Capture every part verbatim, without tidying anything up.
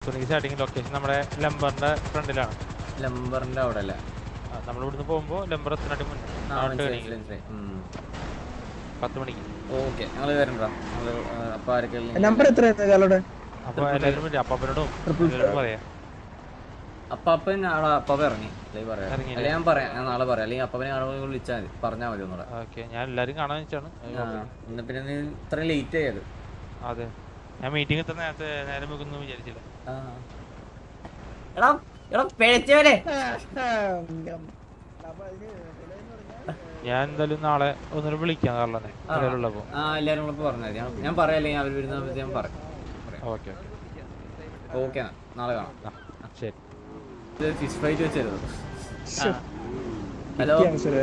സുനിക്ക് starting location നമ്മുടെ ലംബറിന്റെ ഫ്രണ്ടിലാണ്. ലംബറിന്റെ അവിടെ അല്ലേ? നമ്മൾ ഇവിടുന്ന് പോകുമ്പോ ലംബർ എത്തിനാട്ടി മുന്നേ പത്ത് മണിക്ക്. ഓക്കെ, ഞങ്ങള് വരണ്ടോ? അപ്പൊ ആരൊക്കെ നമ്പർ എത്രയായിരുന്നു? അപ്പൊ എല്ലാവരും അപ്പാപ്പനോടും പറയാം. അപ്പാപ്പൻ ആളെ അപ്പാപ്പ ഇറങ്ങി പറയാം, അല്ലെങ്കിൽ ഞാൻ പറയാം, ഞാൻ നാളെ പറയാം, അല്ലെങ്കിൽ അപ്പാപ്പനെ ആളെ വിളിച്ചാൽ മതി, പറഞ്ഞാൽ മതി ഒന്നുകൂടെ. ഓക്കെ, ഞാൻ എല്ലാരും കാണാൻ വെച്ചാണ്. എന്നാ പിന്നെ നീ ഇത്രയും ലേറ്റ് ആയത്? അതെ, ഞാൻ മീറ്റിംഗ് എത്ര നേരത്തെ നേരം വെക്കുന്നു വിചാരിച്ചില്ല. എടാ എടാ പിഴച്ചവരെ, ഞാൻ എന്തായാലും നാളെ ഒന്നുകൂടെ വിളിക്കാം കാറിലെ ഉള്ളപ്പോ. ആ എല്ലാരും ഉള്ളപ്പോ പറഞ്ഞാൽ മതി, ഞാൻ പറയാം, അല്ലെങ്കിൽ അവർ വരുന്ന ഞാൻ പറയാം. ഓക്കെ ഓക്കെ, നാളെ കാണാം. ശരി. ഫിഷ് ഫ്രൈറ്റ് വെച്ചായിരുന്നു. ഹലോ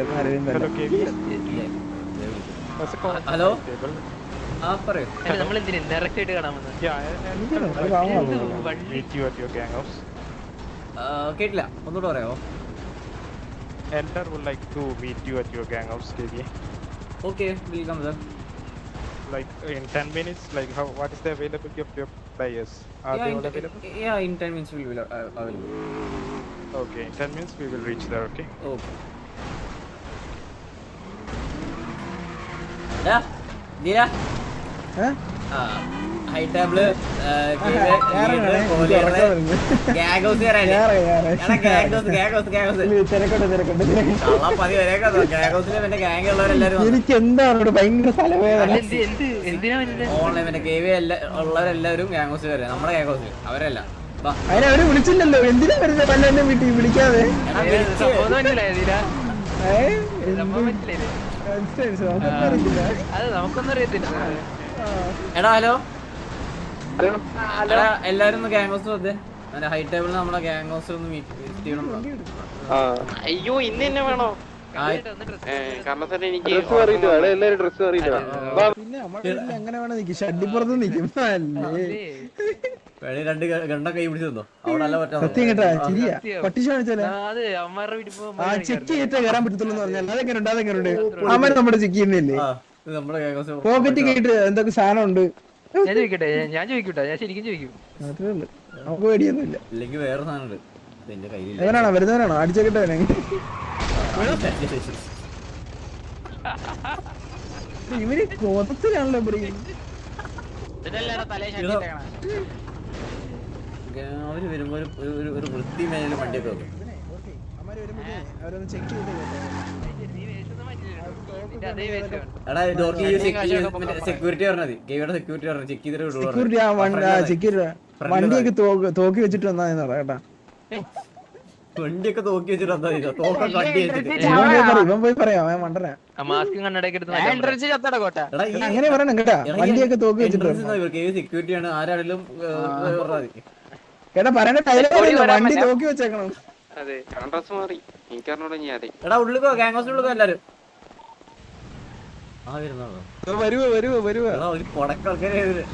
ഹലോ, ആ പറയൂ. കേട്ടില്ല, ഒന്നുകൂടെ പറയാമോ? Enter would like to meet you at your gang house, K V A. Okay, we'll come there. Like in ten minutes, like how? What is the availability of your players? Are yeah, they all in, available? Yeah, in ten minutes we will uh, available. Okay, in ten minutes we will reach there. Okay. Okay. Yeah, Dira. Huh? Ah, high table. Gagos here. Gagos, gagos, gagos. എനിക്ക് എന്താണ് ഭയങ്കര സ്ഥലവേദന. Online ഉള്ളവരെല്ലാവരും ഗാംഗോസ് വരെ, നമ്മുടെ ഗാംഗോസ് അവരല്ല. അതിനെ അവര് വിളിച്ചില്ലല്ലോ, എന്തിനാ വരുന്നത് പല്ലെ വീട്ടിൽ വിളിക്കാതെ? എടാ ഹലോ, എല്ലാരും ഒന്ന് ഗാംഗോസ് വന്നേ, ഹൈ ടേബിളിൽ നമ്മളെ ഗാംഗോസ് ഒന്ന് മീറ്റ് ചെയ്യണം. അയ്യോ ഇന്ന് തന്നെ വേണോ? പിന്നെ അങ്ങനെ വേണം നിക്കും, ഷഡിപ്പുറത്ത് നിക്കും. രണ്ട് ഗണ്ട കൈ പിടിച്ചു തന്നോ, അവിടെ അല്ല പറ്റാ. സത്യം കേട്ടാ, ശരിയാ. പട്ടിഷ കാണിച്ചാലേ ആ ചെക്ക് ചെയ്തിട്ടേ കയറാൻ പറ്റത്തുള്ളൂ പറഞ്ഞാൽ അതെങ്ങനെ ഉണ്ട്, അതെങ്ങനെ ഉണ്ട്? അമ്മ നമ്മുടെ ചെക്ക് ചെയ്യുന്നില്ലേ? പോക്കറ്റ് കേട്ട് എന്തൊക്കെ സാധനം ഉണ്ട്. ഞാൻ ചോദിക്കട്ടെ, ഞാൻ ചോദിക്കട്ടെ, ഞാൻ ശരിക്കും ചോദിക്കും. അത്രേ ഉള്ളു, നമുക്ക് പേടിയൊന്നുമില്ല. ഇല്ലെങ്കിൽ വേറെ സാധനം ഉണ്ട് എന്റെ കയ്യിൽ. എവനാണോ വരുന്നവനാണോ? അടിച്ചേക്കട്ടെ. ഇവര് കോതത്തിലാണല്ലോ അവര് വരുമ്പോ ഒരു വൃത്തി മേലും വണ്ടിയൊക്കെ വെക്കും. സെക്യൂരിറ്റി പറഞ്ഞാൽ മതി, ഗെയിയുടെ സെക്യൂരിറ്റി പറഞ്ഞു ചെക്ക് ചെയ്തിട്ട് വണ്ടിയൊക്കെ തോക്കി വെച്ചിട്ട് വന്നാ കേട്ടാ. വണ്ടിയൊക്കെ തോക്കി വെച്ചിട്ട് വന്നാ ഇവൻ പോയി പറയാം, അവൻ മണ്ടനാ. അങ്ങനെ പറയണം കേട്ടാ, വണ്ടിയൊക്കെ തോക്കി വെച്ചിട്ട്. സെക്യൂരിറ്റിയാണ്, ആരാണെങ്കിലും കേട്ടാ പറയണ ടൈലർ വണ്ടി തോക്കി വെച്ചേക്കണം. എടാ ഉള്ളിക്കോ, ഗാംഗോസിനുള്ളിക്കോ എല്ലാരും. ആ വരുന്നോ, വരുവോ വരുവോ വരുവോ. ഒരു കൊടക്കൊക്കെ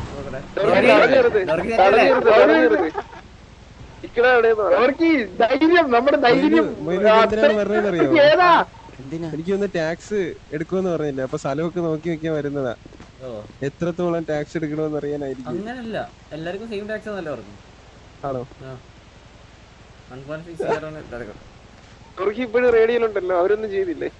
എനിക്കൊന്ന് ടാക്സ് എടുക്കുമെന്ന് പറഞ്ഞില്ല, അപ്പൊ സ്ഥലമൊക്കെ നോക്കി വെക്കാൻ വരുന്നതാ. എത്രത്തോളം ടാക്സ് എടുക്കണമെന്ന് അറിയാനായിരിക്കും. അങ്ങനല്ല, എല്ലാവർക്കും സെയിം ടാക്സ് ആണല്ലോ പറഞ്ഞു. ആണോ? ഇപ്പോഴും റേഡിയോയിലുണ്ടല്ലോ, അവരൊന്നും ചെയ്തില്ലേ?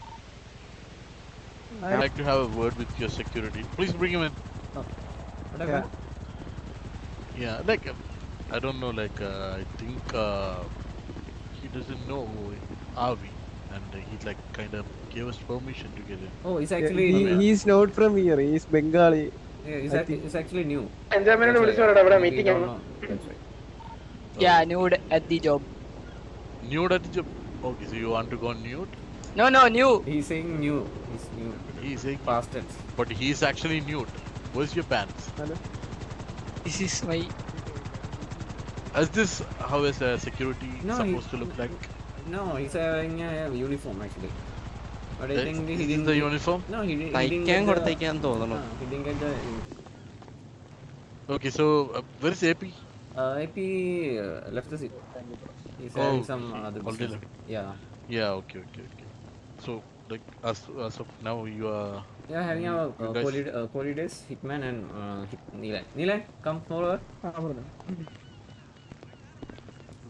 I'd like to have a word with your security. Please bring him in. Oh. Yeah. Yeah, like uh, I don't know, like uh, I think uh, he doesn't know who are we, and uh, he like kind of gave us permission to get in. Oh, he's actually he, he's not from here. He's Bengali. Yeah, he's, ac he's actually new. Enjoyment വിളിച്ചു പറയടാ, ഇവിടെ meeting ആണ്. Yeah, nude at the job. Nude at the job. Okay, so you want to go nude? No, no, new. He's saying new. He's new. He's saying past tense. But he's actually nude. Where's your pants? Hello? This is my... Is this how is a security no, supposed he, to look like? No, he's wearing a uniform actually. But I That's, think he is didn't... the uniform? No, he, he didn't get the... No, he didn't get the... Okay, so uh, where is A P? Uh, A P uh, left the seat. He's oh, having some other already business. Yeah. Yeah, okay, okay, okay. So, like, as, as of now, you are... Yeah, having a uh, Coli uh, days, Hitman and uh, Hit Neelan. Neelan, come forward.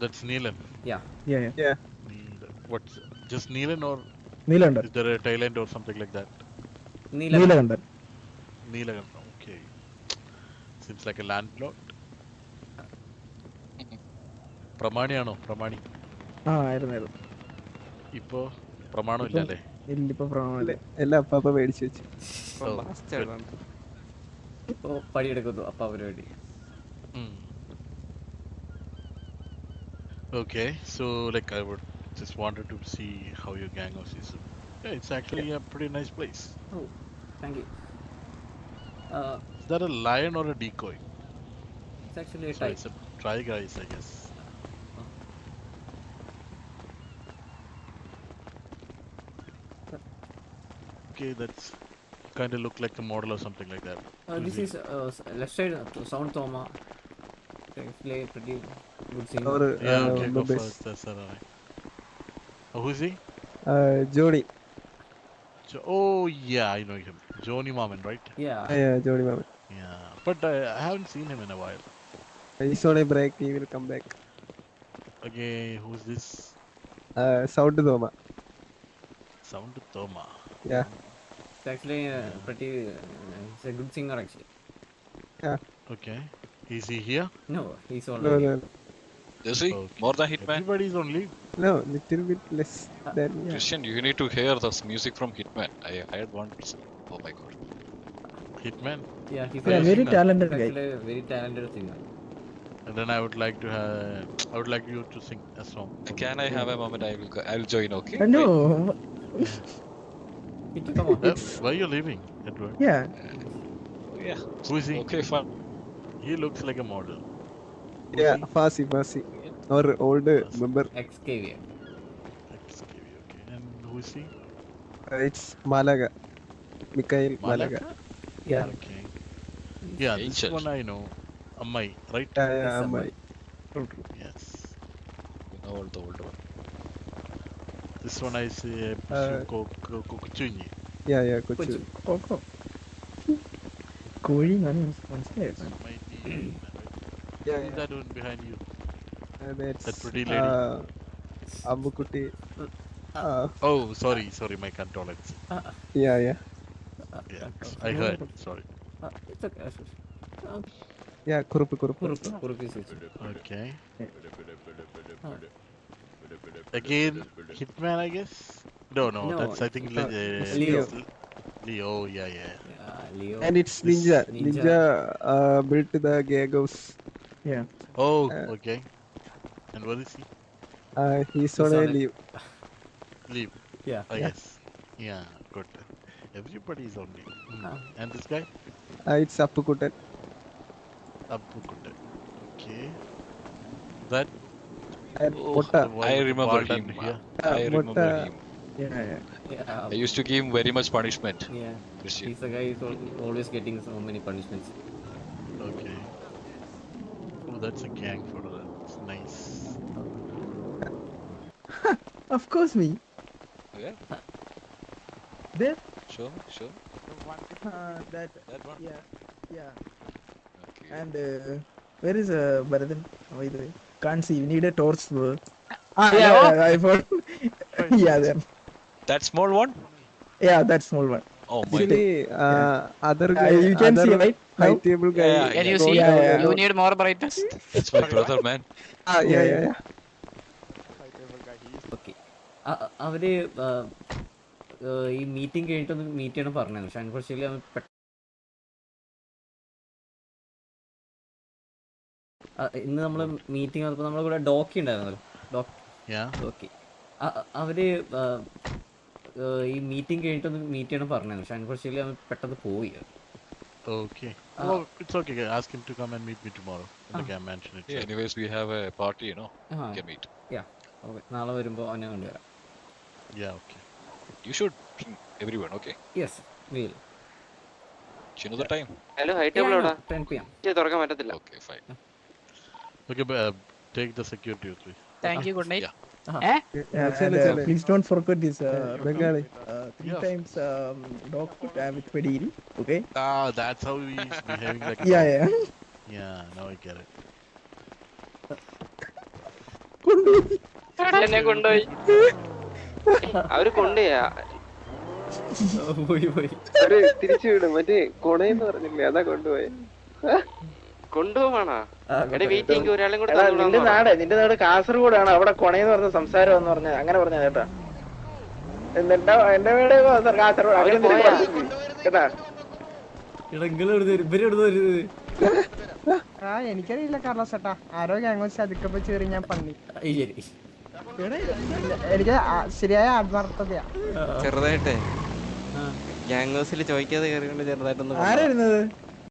That's Neelan. Yeah. Yeah, yeah. Yeah. Neelan. What's just Neelan or Neelander. is there a Thailand or something like that? Neelagan. Neelander. Neelan. Okay. Seems like a landlord. പ്രമാണിയാണോ പ്രമാണി ആ ആയിരുന്നു ഇപ്പോ പ്രമാണം ഇല്ല അല്ലേ ഇല്ലിപ്പോ പ്രമാണല്ലേ എല്ലാം അപ്പാപ്പ മേടിച്ചു വെച്ചു ഇപ്പോ പണിയെടുക്കുന്നു അപ്പ അവര് വേണ്ടി. Okay, so like I would just wanted to see how your gang house is. Yeah, it's actually a pretty nice place. Oh, thank you. Uh, Is that a lion or a decoy? it's actually a So type. it's a try guys, I guess. Okay, that's kind of look like a model or something like that. Uh, this is uh, s- left side uh, Sound Thoma. Actually pretty good singer. Or Yeah, okay, go uh, for it. That's alright. Oh, who is he? uh, Johnny. Jo- oh, yeah, I know him. Johnny Maman, right? Yeah. Yeah, Johnny Maman. Yeah, but uh, I haven't seen him in a while. He's on a break. He will come back. Okay, who's this? Uh, Sound Thoma. Sound Thoma. Yeah. It's actually uh, pretty. Uh, it's a good singer actually. Yeah. Okay. Is he here? No, he's No, already. no, Does he? Okay. More than Hitman? Everybody's on leave. no, little bit less than. Yeah. Christian, you need to hear this music from Hitman. I heard one. Oh my god. Hitman. Yeah, he's Yeah, a- very he's talented guy. actually a very talented singer. And then I would like to have. I would like you to sing a song. for Can me. I have a moment? I will. Go, I will join. Okay. Uh, no. It, come on. Uh, why are you leaving, Edward? Yeah. Wait. Yeah. Who is he? Okay, fine. He looks like a model. Who is Yeah, he? Fasi, Fasi. Or old member. Xavier. Excuse me, okay. And who is he? Uh, it's Malaga. Mikhail Malaga. Yeah. Okay. Yeah, this Angel. one I know. Ammai, right? Yeah, yeah, Yes, Ammai. Yes. You know all the old one. This one I say Uh, Kokuchunyi. Yeah, yeah, Kochu. Kochu. ഓക്കോ കോഴി ഞാൻ മനസ്സിലായോ Might be Hitman, right? Yeah, Who's yeah. that one behind you? Uh, that's That pretty lady. Uh, Ambukutti. Uh, Oh, sorry, sorry, my condolence. yeah, yeah. Yeah, I heard. Sorry. Uh, it's okay. Uh, Yeah, Kurupu, Kurupu. Kurup Kurup is it. Okay. Ah. Again, Hitman, I guess. No, no, No, that's I think uh, uh, Leo. Leo. Oh, yeah, yeah. Yeah, Leo. And it's This Ninja. Ninja. Ninja, uh, built the gag house. Oh, Uh, okay. And what is he? Uh, he's on He's a on a- leave. Leave, Yeah. I Yeah. guess. Yeah, good. Everybody is on leave. Hmm. Ah. And this guy? Uh, it's Appukutan. Abbukutte. Okay. That. And Oh, Potta. the one I with the remember bald him. and here. Uh, I remember Potta. him. Yeah, yeah. Yeah. I used to give him very much punishment. Yeah. Christian. He's the guy who's al- always getting so many punishments. Okay. Oh, that's a gang photo. That's nice. Of course me. Yeah. There. Show me. Show me. Uh, that. That one. Yeah. Yeah. Okay. And uh, where is uh, Bharathan? By the way, can't see. You need a torch. Bro. Ah, Yeah, yeah, what? yeah, I found. Yeah, there. That small one? Yeah, that small one. Oh my god. Actually, uh, other Uh, guy, you can other see, right? Now? high table guy. Yeah, Can you go see? Yeah, down yeah. and You down. need more brightness. That's my brother, man. Ah, yeah, yeah, yeah. Okay അവര് ആ, ആ, ഈ meeting കഴിഞ്ഞിട്ടൊന്ന് meet ചെയ്യണം പറഞ്ഞു പക്ഷെ unfortunately അവൻ പെ- ആ, ഇന്ന് നമ്മൾ മീറ്റിംഗ് നടന്നപ്പോൾ നമ്മുടെ കൂടെ ഡോക്കി ഉണ്ടായിരുന്നല്ലോ ഡോക്കി Yeah. ഡോക്കി അവര് ആ, ആ, ഈ മീറ്റിംഗ് കഴിഞ്ഞിട്ടൊന്ന് മീറ്റ് ചെയ്യണം പറഞ്ഞു പക്ഷെ അൺഫോർച്യുനേറ്റ്ലി അവൻ പെട്ടെന്ന് പോയി. Okay. Ah. Oh, it's okay. Ask him to come and meet me tomorrow. Like I mentioned it. Yeah, anyways, we have a party, you know. ആ We can meet. ഓക്കെ നാളെ വരുമ്പോൾ അവനെ കൊണ്ടുവരാം. Yeah, okay. You should bring everyone, okay? Yes we'll Do you know the time? Hello hi table എവിടാ ten P M. തുറക്കാൻ പറ്റത്തില്ല. Okay, fine. Okay, but uh, take the security with me. Thank you good night. Yeah. Yeah, and, Chale, uh, chale. please don't forget this. Uh, Bengali. uh, three Yeah. times um, dog food uh, with pediri. Okay. Ah, that's how he's behaving like a Yeah, dog. yeah. Yeah, now I get it. എന്നെ കൊണ്ടുപോയി അവര് കൊണ്ടുപോയാ പോയി പോയി അവര് തിരിച്ചു വിടും മറ്റേ കൊണയെന്ന് പറഞ്ഞില്ലേ അതാ കൊണ്ടുപോയെ കൊണ്ടുപോവാണോ എടാ വെയിറ്റിംഗ് ഒരാളും കൂടെ എടാ നിന്റെ നാട് നിന്റെ നാട് കാസർഗോഡാണ് അവിടെ കൊണയെന്ന് പറഞ്ഞ സംസാരം എന്ന് പറഞ്ഞ അങ്ങനെ പറഞ്ഞ കേട്ടാ എന്റെ എന്റെ വീട് കാസർഗോഡ് അങ്ങനെ എന്തെങ്കിലും പറഞ്ഞില്ലേ? കേട്ടാ ആ എനിക്കറിയില്ല കാർലോസ് ചേട്ടാ ആരോ ഗാംഗോസ് അതിക്കപ്പോ ചേറി ഞാൻ പന്നി എനിക്ക് ആ- ശരിയായ ആത്മാർത്ഥതയാ ചെറുതായിട്ടേ ഗ്യാങ്സിൽ ചോദിക്കാതെ കയറിക്കൊണ്ട് ചെറുതായിട്ടൊന്ന് ആരായിരുന്നത്